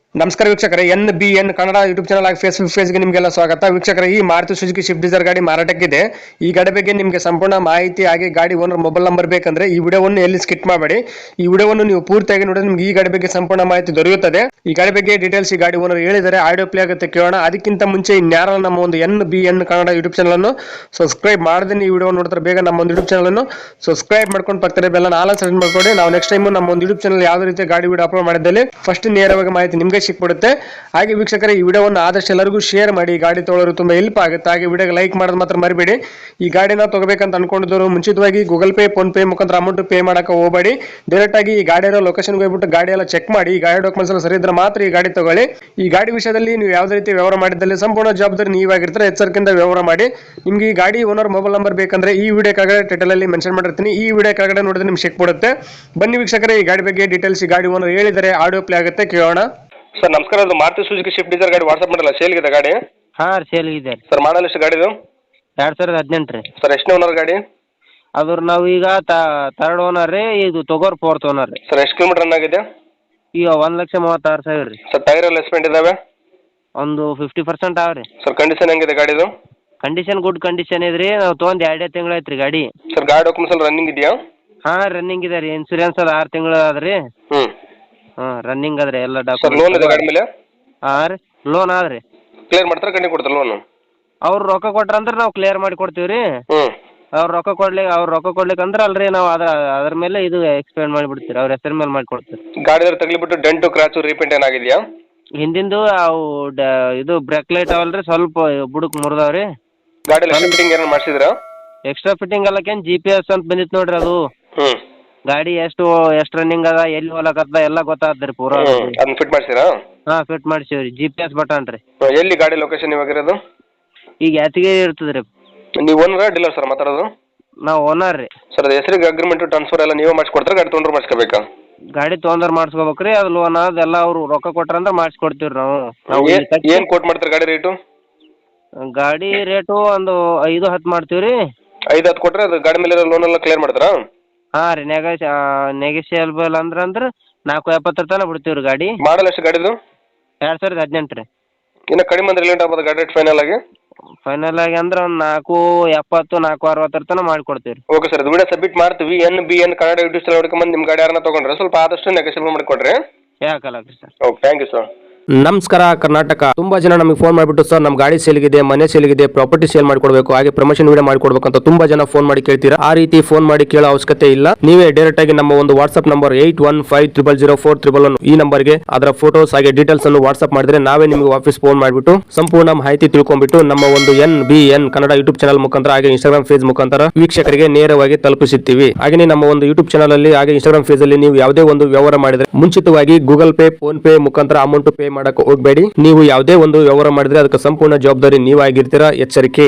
ನಮಸ್ಕಾರ ವೀಕ್ಷಕರೇ, NBN Kannada YouTube channel ಆಗಿ ಫೇಸ್ಬುಕ್ ಪೇಜ್ಗೆ ನಿಮಗೆಲ್ಲ ಸ್ವಾಗತ. ವೀಕ್ಷಕರೇ, ಈ ಮಾರುತಿ ಸುಜುಕಿ ಸ್ವಿಫ್ಟ್ ಡಿಸೈರ್ ಗಾಡಿ ಮಾರಾಟಕ್ಕಿದೆ. ಈ ಗಾಡಿ ಬಗ್ಗೆ ನಿಮಗೆ ಸಂಪೂರ್ಣ ಮಾಹಿತಿ ಹಾಗೆ ಗಾಡಿ ಓನರ್ ಮೊಬೈಲ್ ನಂಬರ್ ಬೇಕಂದ್ರೆ ಈ ವಿಡಿಯೋವನ್ನು ಎಲ್ಲಿ ಸ್ಕಿಪ್ ಮಾಡಬೇಡಿ. ಈ ವಿಡಿಯೋವನ್ನು ನೀವು ಪೂರ್ತಿಯಾಗಿ ನೋಡಿದ್ರೆ ನಿಮಗೆ ಈ ಗಾಡಿ ಬಗ್ಗೆ ಸಂಪೂರ್ಣ ಮಾಹಿತಿ ದೊರೆಯುತ್ತದೆ. ಈ ಗಾಡಿ ಬಗ್ಗೆ ಡೀಟೇಲ್ಸ್ ಈ ಗಾಡಿ ಓನರ್ ಹೇಳಿದರೆ ಆಡಿಯೋ ಪ್ಲೇ ಆಗುತ್ತೆ, ಕೇಳೋಣ. ಅದಕ್ಕಿಂತ ಮುಂಚೆ ಇನ್ಯಾರ ನಮ್ಮ ಒಂದು NBN ಕನ್ನಡ ಯೂಟ್ಯೂಬ್ ಚಾನಲ್ ಅನ್ನು ಸಬ್ಸ್ಕ್ರೈಬ್ ಮಾಡದೆ ಈ ವಿಡಿಯೋ ನೋಡ್ತಾರೆ ಬೇಗ ನಮ್ಮ ಒಂದು ಯೂಟ್ಯೂಬ್ ಚಾನಲ್ ಅನ್ನು ಸಬ್ಸ್ಕ್ರೈಬ್ ಮಾಡ್ಕೊಂಡು ಪಕ್ಕದಲ್ಲಿ ಬೆಲ್ಲ ಆಲ್ ಸೆಲೆಕ್ಟ್ ಮಾಡ್ಕೊಳ್ಳಿ. ನಾವು ನೆಕ್ಸ್ಟ್ ಟೈಮ್ ನಮ್ಮ ಒಂದು ಯೂಟ್ಯೂಬ್ ಚಾನಲ್ ಯಾವುದೇ ರೀತಿ ಗಾಡಿ ವಿಡಿಯೋ ಅಪ್ಲೋಡ್ ಮಾಡಿದಲ್ಲಿ ಫಸ್ಟ್ ನೇರವಾಗಿ ಮಾಹಿತಿ ನಿಮಗೆ ಸಿಕ್ಬಿಡುತ್ತೆ. ಹಾಗೆ ವೀಕ್ಷಕರೇ, ಈ ವಿಡಿಯೋವನ್ನು ಆದಷ್ಟು ಎಲ್ಲರಿಗೂ ಶೇರ್ ಮಾಡಿ. ಗಾಡಿ ತೊಗೊಳ್ಳೋರು ತುಂಬಾ ಹೆಲ್ಪ್ ಆಗುತ್ತೆ. ಹಾಗೆ ವಿಡಿಯೋಗೆ ಲೈಕ್ ಮಾಡೋದು ಮಾತ್ರ ಮರಿಬೇಡಿ. ಈ ಗಾಡಿನ ತಗೋಬೇಕಂತ ಅನ್ಕೊಂಡಿದ್ದವರು ಮುಂಚಿತವಾಗಿ ಗೂಗಲ್ ಪೇ, ಫೋನ್ ಪೇ ಮುಖಾಂತರ ಅಮೌಂಟ್ ಪೇ ಮಾಡಕ್ಕೆ ಹೋಗಬೇಡಿ. ಡೈರೆಕ್ಟ್ ಆಗಿ ಈ ಗಾಡಿ ಇರೋ ಲೊಕೇಶನ್ಗೆ ಹೋಗ್ಬಿಟ್ಟು ಗಾಡಿ ಎಲ್ಲ ಚೆಕ್ ಮಾಡಿ. ಈ ಗಾಡಿ ಡಾಕ್ಯುಮೆಂಟ್ಸ್ ಎಲ್ಲ ಸರಿ ಇದ್ರೆ ಮಾತ್ರ ಈ ಗಾಡಿ ತಗೊಳ್ಳಿ. ಈ ಗಾಡಿ ವಿಷಯದಲ್ಲಿ ನೀವು ಯಾವುದೇ ರೀತಿ ವ್ಯವಹಾರ ಮಾಡಿದಲ್ಲಿ ಸಂಪೂರ್ಣ ಜವಾಬ್ದಾರಿ ನೀವಾಗಿರ್ತಾರೆ. ಎಚ್ಚರಿಕೆಯಿಂದ ವ್ಯವಹಾರ ಮಾಡಿ. ನಿಮ್ಗೆ ಈ ಗಾಡಿ ಓನರ್ ಮೊಬೈಲ್ ನಂಬರ್ ಬೇಕಂದ್ರೆ ಈ ವಿಡಿಯೋ ಕೆಳಗಡೆ ಟೈಟಲ್ ಅಲ್ಲಿ ಮೆನ್ಷನ್ ಮಾಡಿರ್ತೀನಿ. ಈ ವಿಡಿಯೋ ಕೆಳಗಡೆ ನೋಡಿದ್ರೆ ನಿಮ್ಗೆ ಸಿಕ್ಬಿಡುತ್ತೆ. ಬನ್ನಿ ವೀಕ್ಷಕರೇ, ಈ ಗಾಡಿ ಬಗ್ಗೆ ಡೀಟೇಲ್ಸ್ ಈ ಗಾಡಿ ಓನರ್ ಹೇಳಿದರೆ ಆಡಿಯೋ ಪ್ಲೇ ಆಗುತ್ತೆ, ಕೇಳೋಣ. ಸರ್ ನಮಸ್ಕಾರ, ಅದು ಮಾರುತಿ ಸುಜುಕಿ ಸ್ವಿಫ್ಟ್ ಡಿಸೈರ್ ಗಾಡಿ ವಾಟ್ಸಪ್ ಮಾಡಲ್ಲ, ಸೇಲ್ಗಿದೆ ಗಾಡಿ? ಹಾಂ ರೀ, ಸೇಲ್ಗಿದೆ ರೀ. ಸರ್ ಮಾಡಲ್ ಎಷ್ಟು ಗಾಡಿದು? 2018 ರೀ. ಸರ್ ಎಷ್ಟನೇ ಓನರ್ ಗಾಡಿ? ಅದ್ರ ನಾವು ಈಗ ಥರ್ಡ್ ಓನರ್ ರೀ, ಇದು ತೊಗೋರ್ ಫೋರ್ತ್ ಓನರ್ ರೀ. ಸರ್ ಎಷ್ಟು ಕಿಲೋಮೀಟರ್ ರನ್ ಆಗಿದೆ? ಈಗ 1,36,000 ರೀ. ಸರ್ ಟೈರ್ ಎಲ್ಲ ಎಸ್ಪೆಂಟ್ ಇದಾವೆ? ಒಂದು 50% ಅವ ರೀ. ಸರ್ ಕಂಡೀಷನ್ ಹೆಂಗಿದೆ ಗಾಡಿದು? ಕಂಡೀಷನ್ ಗುಡ್ ಕಂಡೀಷನ್ ಇದೆ ರೀ. ನಾವು ತೊಗೊಂಡು 2 ತಿಂಗಳು ಆಯ್ತು ರೀ ಗಾಡಿ. ಸರ್ ಗಾಡಿ ಡಾಕ್ಯುಮೆಂಟ್ಸ್ ಎಲ್ಲ ರನ್ನಿಂಗ್ ಇದೆಯಾ? ಹಾಂ, ರನ್ನಿಂಗ್ ಇದೆ ರೀ. ಇನ್ಸೂರೆನ್ಸ್ ಅದು 6 ತಿಂಗಳು ಅದ ರೀ. ಹ್ಞೂ. ಹಾಂ, ರನ್ನಿಂಗ್ ಅದ ರೀ ಎಲ್ಲ ಸರ್ ಲೋನ್ ಇದೆ ಗಾಡಿ ಮೇಲೆ? ಹಾಂ ರೀ, ಲೋನ್ ಅದ ರೀ. ಕ್ಲಿಯರ್ ಮಾಡ್ತಾರೆ, ಕಂಡು ಕೊಡ್ತಾರೆ ಲೋನು? ಅವ್ರು ರೊಕ್ಕ ಕೊಟ್ರಂದ್ರೆ ನಾವು ಕ್ಲಿಯರ್ ಮಾಡಿ ಕೊಡ್ತೀವಿ ರೀ. ಹ್ಞೂ. ಅವ್ರು ರೊಕ್ಕ ಕೊಡ್ಲಿಕ್ಕೆ ಅಂದ್ರೆ ಅಲ್ರಿ ನಾವು ಅದ್ರ ಮೇಲೆ ಇದು ಎಕ್ಸ್ಪೆಂಡ್ ಮಾಡಿಬಿಡ್ತೀವಿ. ಅವ್ರ ಹೆಸರು ಮೇಲೆ ಮಾಡಿ ಕೊಡ್ತೀವಿ. ಗಾಡಿ ತಗಲಿಬಿಟ್ಟು ಡೆಂಟು ಕ್ರಾಚು ರೀಪೇಂಟ್ ಏನಾಗಿದೆಯಾ? ಹಿಂದಿಂದು ಅವು ಇದು ಬ್ರೇಕ್ ಲೈಟ್ ಅವಲ್ರಿ, ಸ್ವಲ್ಪ ಬುಡಕ್ ಮುರಿದಾವ್ರಿ. ಗಾಡಿ ಫಿಟ್ಟಿಂಗ್ ಏನಾರು ಮಾಡಿಸಿದ್ರಾ? ಎಕ್ಸ್ಟ್ರಾ ಫಿಟ್ಟಿಂಗ್ ಅಲ್ಲಕೇನು GPS ಅಂತ ಬಂದಿತ್ತು ನೋಡ್ರಿ ಅದು. ಹ್ಞೂ. ಗಾಡಿ ಎಷ್ಟು ರನ್ನಿಂಗ್ ಅದ, ಎಲ್ಲಿ ಹೋಲಕತ್ತ ಎಲ್ಲ ಗೊತ್ತಾಗ್ತದೆ ಪೂರಾ. ಅದನ್ನ ಫಿಟ್ ಮಾಡಿಸಿರಾ? ಹಾಂ, ಫಿಟ್ ಮಾಡಿಸಿವ್ರಿ. GPS ಬಟನ್ ರೀ. ಎಲ್ಲಿ ಗಾಡಿ ಲೊಕೇಶನ್ ಇವಾಗಿರೋದು? ಈಗ ಯಾತಿಗಿರಿ ಇರ್ತದೆ ರೀ. ನೀವು ಓನರ್ ಡೀಲರ್ ಸರ್ ಮಾತಾಡೋದು? ನಾವು ಓನರ್ ರೀ. ಸರ್ ಅದು ಹೆಸರಿಗೆ ಅಗ್ರಿಮೆಂಟ್ ಟ್ರಾನ್ಸ್ಫರ್ ಎಲ್ಲ ನೀವೇ ಮಾಡಿಸ್ಕೊಡ್ತಾರೆ, ಗಾಡಿ ತೊಗೊಂಡ್ರೆ ಮಾಡಿಸ್ಕೋಬೇಕಾ? ಗಾಡಿ ತೊಗೊಂಡ್ರೆ ಮಾಡಿಸ್ಕೋಬೇಕು ರೀ. ಅದು ಲೋನ್ ಅದೆಲ್ಲ ಅವರು ರೊಕ್ಕ ಕೊಟ್ರಂದ್ರೆ ಮಾಡಿಸ್ಕೊಡ್ತೀವಿ ರೀ ನಾವು. ಏನು ಕೋಟ್ ಮಾಡ್ತಾರೆ ಗಾಡಿ ರೇಟು? ಗಾಡಿ ರೇಟು ಒಂದು 5-10 ಮಾಡ್ತೀವಿ ರೀ. 5-10 ಕೊಟ್ಟರೆ ಅದು ಗಾಡಿ ಮೇಲೆ ಲೋನ್ ಎಲ್ಲ ಕ್ಲಿಯರ್ ಮಾಡ್ತಾರಾ? ಹಾಂ ರೀ, ನೆಗೋಷಿಯಬಲ್ ಅಂದ್ರೆ 470 ತನಕ ಬಿಡ್ತೀವಿ ರೀ ಗಾಡಿ. ಮಾಡಲ್ ಎಷ್ಟು ಗಾಡಿದು? 2018 ರೀ. ಇನ್ನು ಕಡಿಮೆ ಅಂದ್ರೆ ಲೇಟ್ ಆಗ್ಬೋದು ಗಾಡಿ ರೇಟ್ ಫೈನಲ್ ಆಗಿ? ಫೈನಲ್ ಆಗಿ ಅಂದ್ರೆ ಒಂದು 470, 460 ತನಕ ಮಾಡಿಕೊಡ್ತೀವಿ ರೀ. ಓಕೆ ಸರ್, ಇದು ವಿಡಿಯೋ ಸಬ್ಮಿಟ್ ಮಾಡ್ತೀವಿ. NBN ಕನ್ನಡ ಯೂಟ್ಯೂಬ್ ಚಾನಲ್ ಹುಡ್ಕೊಂಬಂದು ನಿಮ್ಮ ಗಾಡಿ ಯಾರನ್ನ ತೊಗೊಂಡ್ರೆ ಸ್ವಲ್ಪ ಆದಷ್ಟು ನೆಗೋಷಿಯಬಲ್ ಮಾಡಿಕೊಡ್ರಿ. ಯಾಕಲ್ಲ sir. Okay, thank you sir. ನಮಸ್ಕಾರ ಕರ್ನಾಟಕ. ತುಂಬಾ ಜನ ನಮಗೆ ಫೋನ್ ಮಾಡಿಬಿಟ್ಟು ಸರ್ ನಮ್ಮ ಗಾಡಿ ಸೇಲ್ಗಿದೆ, ಮನೆ ಸೇಲ್ಗಿದೆ, ಪ್ರಾಪರ್ಟಿ ಸೇಲ್ ಮಾಡ್ಕೊಡ್ಬೇಕು, ಹಾಗೆ ಪ್ರಮೋಷನ್ ವಿಡಿಯೋ ಮಾಡ್ಕೊಡ್ಬೇಕು ಅಂತ ತುಂಬಾ ಜನ ಫೋನ್ ಮಾಡಿ ಕೇಳ್ತೀರಾ. ಆ ರೀತಿ ಫೋನ್ ಮಾಡಿ ಕೇಳೋ ಅವಶ್ಯಕತೆ ಇಲ್ಲ. ನೀವೇ ಡೈರೆಕ್ಟ್ ಆಗಿ ನಮ್ಮ ಒಂದು ವಾಟ್ಸ್ಆಪ್ ನಂಬರ್ 81500411 ಈ ನಂಬರ್ಗೆ ಅದರ ಫೋಟೋಸ್ ಹಾಗೆ ಡೀಟೇಲ್ಸ್ ಅನ್ನು ವಾಟ್ಸ್ಆಪ್ ಮಾಡಿದ್ರೆ ನಾವೇ ನಿಮಗೆ ವಾಪಸ್ ಫೋನ್ ಮಾಡಿಬಿಟ್ಟು ಸಂಪೂರ್ಣ ಮಾಹಿತಿ ತಿಳ್ಕೊಂಡ್ಬಿಟ್ಟು ನಮ್ಮ ಒಂದು NBN ಕನ್ನಡ ಯೂಟ್ಯೂಬ್ ಚಾನಲ್ ಮುಖಾಂತರ ಹಾಗೆ ಇನ್ಸ್ಟಾಗ್ರಾಮ್ ಪೇಜ್ ಮುಖಾಂತರ ವೀಕ್ಷಕರಿಗೆ ನೇರವಾಗಿ ತಲುಪಿಸುತ್ತೀವಿ. ಹಾಗೆ ನಮ್ಮ ಒಂದು ಯೂಟ್ಯೂಬ್ ಚಾನಲ್ ಅಲ್ಲಿ ಹಾಗೆ ಇನ್ಸ್ಟಾಗ್ರಾಮ್ ಪೇಜ್ ಅಲ್ಲಿ ನೀವು ಯಾವುದೇ ಒಂದು ವ್ಯವಹಾರ ಮಾಡಿದ್ರೆ ಮುಂಚಿತವಾಗಿ ಗೂಗಲ್ ಪೇ, ಫೋನ್ ಪೇ ಮುಖಾಂತರ ಅಮೌಂಟ್ ಪೇ ಮಾಡಕ್ಕೆ ಹೋಗಬೇಡಿ. ನೀವು ಯಾವುದೇ ಒಂದು ವ್ಯವಹಾರ ಮಾಡಿದ್ರೆ ಅದಕ್ಕೆ ಸಂಪೂರ್ಣ ಜವಾಬ್ದಾರಿ ನೀವಾಗಿರ್ತೀರಾ. ಎಚ್ಚರಿಕೆ.